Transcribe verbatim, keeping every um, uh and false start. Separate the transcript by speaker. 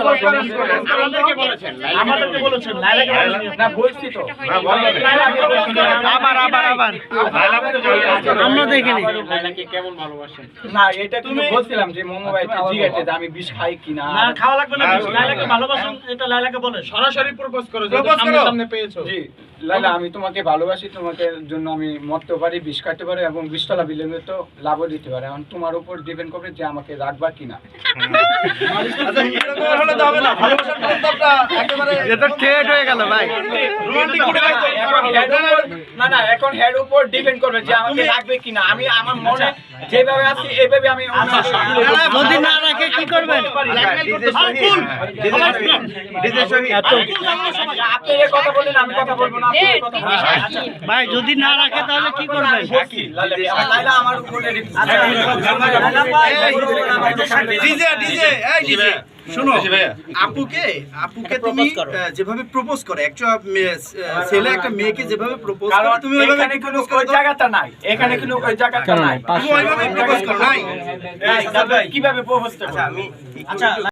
Speaker 1: আমাদেরকে বলেছেন আমাদেরকে বলেছেন লাইলাকে না বলছি তো না বলেন
Speaker 2: আবার আবার আবার আমরা দেখিনি
Speaker 1: লাইলাকে কেমন ভালোবাসেন না এটা তুমি বলছিলাম যে মোমো ভাইতে জিগাইতে যে আমি বিষ খাই কিনা না খাওয়া লাগবে না লাইলাকে ভালোবাসেন এটা লাইলাকে বলেন সরাসরি প্রপোজ করো যে সামনে সামনে পেয়েছো জি লাইলা আমি তোমাকে ভালোবাসি তোমাকে জন্য আমি মরতে পারি বিষ খাইতে পারি এবং বিশতলা বিল্ডিং এ তো লাভও দিতে পারি এখন তোমার উপর ডিপেন্ড করবে যে আমাকে রাখবা কিনা
Speaker 3: আচ্ছা এরকম হলে তো হবে না ভালোবাসার প্রস্তাবটা একেবারে
Speaker 2: এটা ঠেট হয়ে গেল ভাই
Speaker 3: রোমান্টিক করে রাখো
Speaker 1: না না এখন হেড উপর ডিপেন্ড করবে যে আমাকে রাখবে কিনা আমি আমার মনে যেভাবে আছি এইভাবে আমি
Speaker 2: যদি না রাখে কি করবেন
Speaker 1: আপনি এই কথা বলেন আমি কথা বলবো না আপনি কথা বলবেন
Speaker 2: ভাই যদি না রাখে তাহলে কি করবেন
Speaker 1: লাইলা আমার উপরে
Speaker 3: ডিজে ডিজে এই ডিজে শুনো আপুকে আপুকে তুমি যেভাবে প্রপোজ করে একটা ছেলে একটা মেয়েকে যেভাবে প্রপোজ করে তুমি ওইভাবে
Speaker 1: এখানে কোনো ওই জায়গাটা নাই এখানে কোনো ওই জায়গাটা নাই
Speaker 3: তুমি ওইভাবে প্রপোজ করো নাই
Speaker 1: কিভাবে প্রপোজ করব
Speaker 3: আমি
Speaker 1: আচ্ছা